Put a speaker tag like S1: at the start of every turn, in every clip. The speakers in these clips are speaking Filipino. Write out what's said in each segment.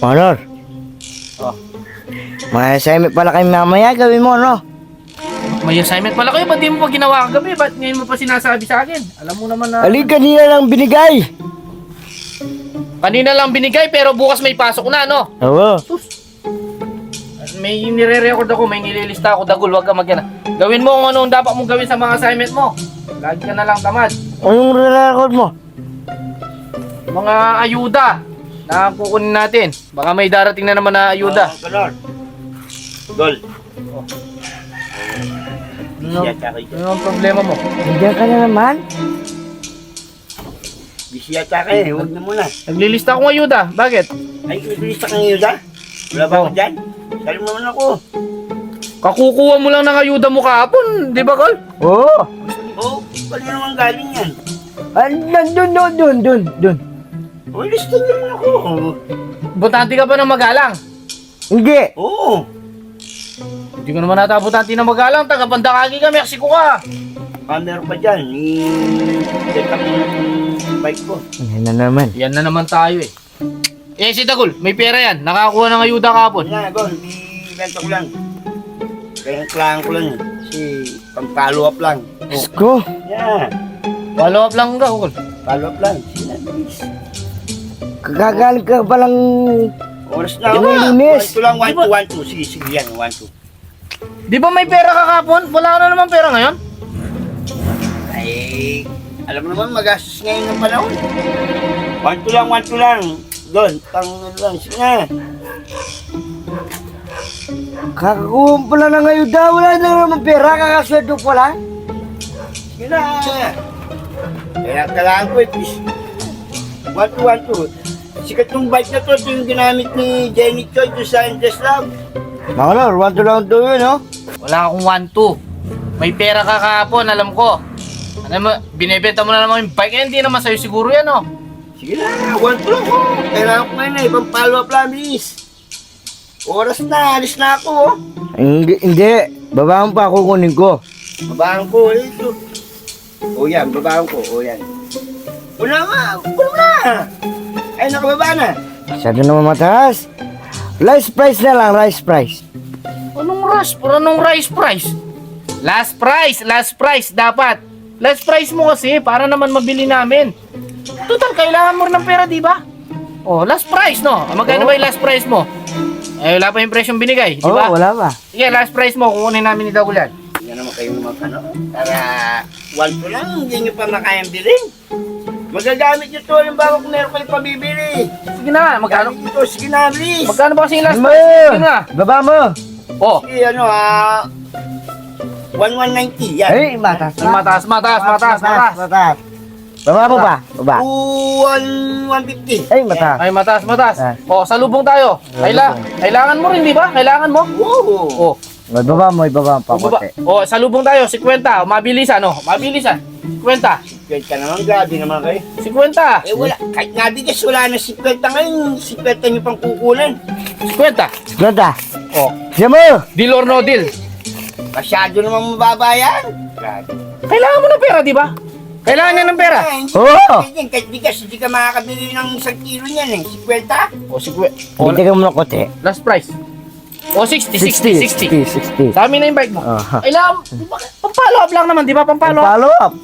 S1: Honor,
S2: Oh.
S1: may assignment pala kayo mamaya, gawin mo, no?
S2: May assignment pala kayo, ba't di mo pa ginawa kagabi? Ba't ngayon mo pa sinasabi sa akin? Alam mo naman na...
S1: Alin, kanina lang binigay.
S2: Kanina lang binigay pero bukas may pasok na, no?
S1: Oo.
S2: May nire-record ako, may nililista ako, Dagul, wag ka magana. Gawin mo kung ano ang dapat mong gawin sa mga assignment mo. Lagi ka na lang tamad.
S1: Anong re-record mo?
S2: Mga ayuda na kukunin natin. Baka may darating na naman na ayuda.
S3: Color. Gol.
S2: Ano,
S3: Busy yata kayo.
S2: ano ang problema mo?
S1: Nandiyan ka na naman?
S3: Busy yata kayo. Huwag na muna.
S2: Naglilista akong ayuda. Bakit?
S3: Ay, naglilista kang ayuda? Wala ba ako dyan? Sabi mo naman ako.
S2: Kakukuha mo lang ng ayuda mo kahapon, di ba, Col?
S1: Oo.
S3: Oo, paano naman galing yan?
S1: Dun.
S3: Oh, lista naman ako.
S2: Butante ka pa ng magalang.
S1: Hindi.
S3: Oo.
S2: Hindi ko naman nata butante ng magalang. Taga-Pandakagi ka, Mexico ka.
S3: Meron pa dyan. Check up mo yung bike ko.
S1: Yan na naman.
S2: Yan na naman tayo eh. Eh, si Dagul, may pera yan. Nakakuha ng ayuda kahapon.
S3: Wala, Gol. I-benta ko lang. Kaya kailangan ko lang. Kasi pang-follow up lang.
S1: Diyos ko.
S3: Yeah.
S2: Follow up lang ka, Col.
S3: Follow up lang. Sinabis.
S1: Kagagaling ka palang...
S3: Oras na
S1: Yung
S3: ako.
S1: linis.
S3: 1, 2 lang. 1, 2, 1, 2. Sige, sige yan. 1, 2.
S2: Di ba may pera ka kahapon? Wala ka na naman pera ngayon?
S3: Ay, alam mo naman, magastos ngayon ng panahon. 1, 2 lang, 1, 2 lang. Doon, pang ano lang, sige na.
S1: Kakakuha pala ng ayuda. Wala na naman pera. Kakasweldo ko lang.
S3: Sige na. Kaya kailangan ko at least 1, 2, 1, 2. Sikat yung bike na to, ito yung ginamit ni Jenny Choi doon sa Endless Love.
S1: Makalor, 1 to lang to yun, no?
S2: Wala akong 1-2. May pera ka kahapon, alam ko. Alam mo, binibenta mo na naman yung bike. Eh, hindi naman sa'yo siguro yan, oh.
S3: Sige na, 1, 2 lang ko. Kailangan ko ngayon na, ibang follow-up lang, please. Oras na, alis na ako, oh.
S1: Hindi. Babaan pa, kukunin ko.
S3: Babaan ko, ito. O yan, babaan ko, o yan. Wala nga, wala na. Ay, nakababa na.
S1: Masyado naman mataas. Rice price na lang, rice price.
S2: Anong rush? Anong rice price? Last price dapat. Last price mo kasi para naman mabili namin. Total, kailangan mo rin ng pera, di ba? Oh, last price, no? Magkano ba yung last price mo? Eh, wala pa yung presyong binigay, di ba?
S1: Oo, wala pa.
S2: Sige, last price mo, kukunin namin ni Dagul yan.
S3: Yan naman kayo naman, ano? Para 1, 2 lang, hindi nyo pa makayang bilhin. Magagamit nyo to, halimbawa kung meron kayo pabibili.
S2: Sige na, magkano?
S3: Gamit nyo to, sige na, please.
S2: Magkano ba kasi yung last
S1: Mo!
S2: price? Sige na.
S1: Baba mo!
S2: Oh,
S3: Sige, ano, 1190, yan.
S1: Ay, mataas na.
S2: mataas.
S1: Mataas. Baba mo pa. Baba.
S3: 150.
S1: Ay, mataas.
S2: Ay, mataas.
S1: Ah.
S2: Oh, salubong tayo. Kailangan mo rin, di ba? Kailangan mo.
S3: Oo.
S2: Oh,
S1: Ibaba mo pa konti.
S2: oh, salubong tayo, 50. Mabilisan, oh. Mabilisan. 50.
S3: Kahit ka naman, grabe naman kayo.
S2: 50.
S3: Eh wala, kahit nabigas, wala na 50 ngayon. 50 nyo pang kukulan.
S2: 50.
S1: Ganda.
S2: Oh,
S1: Siya mo!
S2: deal or no deal.
S3: Masyado namang mababa yan. Grabe.
S2: Kailangan mo ng pera, di ba? Kailangan niya ng pera.
S1: Oo.
S3: Kahit bigas, hindi ka makakabili ng 1 kilo niyan eh. 50.
S2: Oh, 50. Oh,
S1: Hindi ka muna konti.
S2: last price. Oh, 60.
S1: 60.
S2: Sa amin na yung bike mo.
S1: Aha.
S2: Kailangan, pampalo up lang naman, di ba? Pampalo up.
S1: Follow up.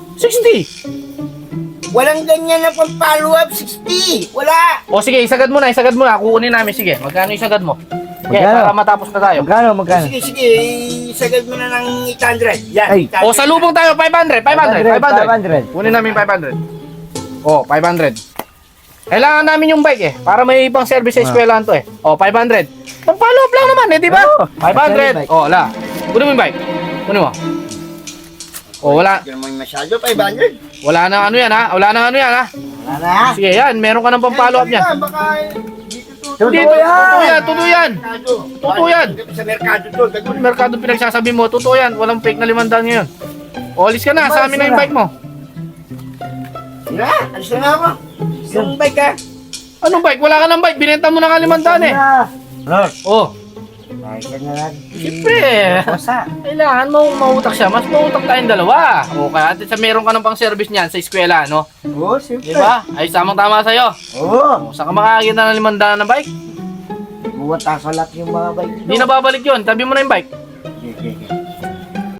S2: 60.
S3: Walang ganyan na pang follow up, 60. Wala.
S2: O sige, isagad mo na. Kukunin namin. Sige, magkano isagad mo? Okay,
S1: Magkano?
S2: para matapos na tayo.
S1: Magkano?
S3: Sige, sige. Isagad mo na ng 800. Yan,
S1: Ay.
S3: 800.
S2: O, salubong tayo, 500.
S1: 500.
S2: Kunin namin 500. O, 500. Kailangan namin yung bike eh, para may ibang service sa eskwelahan to eh. O, 500. Pang-follow up lang naman eh, di ba?
S1: Oo.
S2: 500. O, wala. Kunin mo yung bike. Kunin mo. O, wala.
S3: Hindi naman masyado, 500.
S2: Wala na ano yan ha. Wala na.
S3: Wala na.
S2: Sige, yan. Meron ka ng pang-follow up niyan.
S3: Baka dito to.
S1: Totoo yan.
S2: Totoo yan. Totoo yan.
S3: Sa merkado to.
S2: Kung merkado pinagsasabi mo, totoo yan. Walang fake na 500 ngayon. O, alis ka na. Sa amin na yung bike mo.
S3: Sige, alis na ako. Yung bike ha.
S2: Anong bike? Wala ka ng bike. Binenta mo na ka 500 eh. Oh,
S1: Ay, yan na lang.
S2: siyempre.
S1: Kosa.
S2: Kailangan mo mautak siya. Mas mautak tayong dalawa. O, kaya at sa meron ka ng pang service niyan sa eskwela, no?
S1: Oo, simple.
S2: Di ba? Ay, samang tama sa'yo.
S1: Oo.
S2: O, saan ka makakakita ng 500 na bike?
S1: Buwata sa lahat yung mga bike.
S2: Di na babalik yun. Tabi mo na yung bike.
S3: Sige, sige.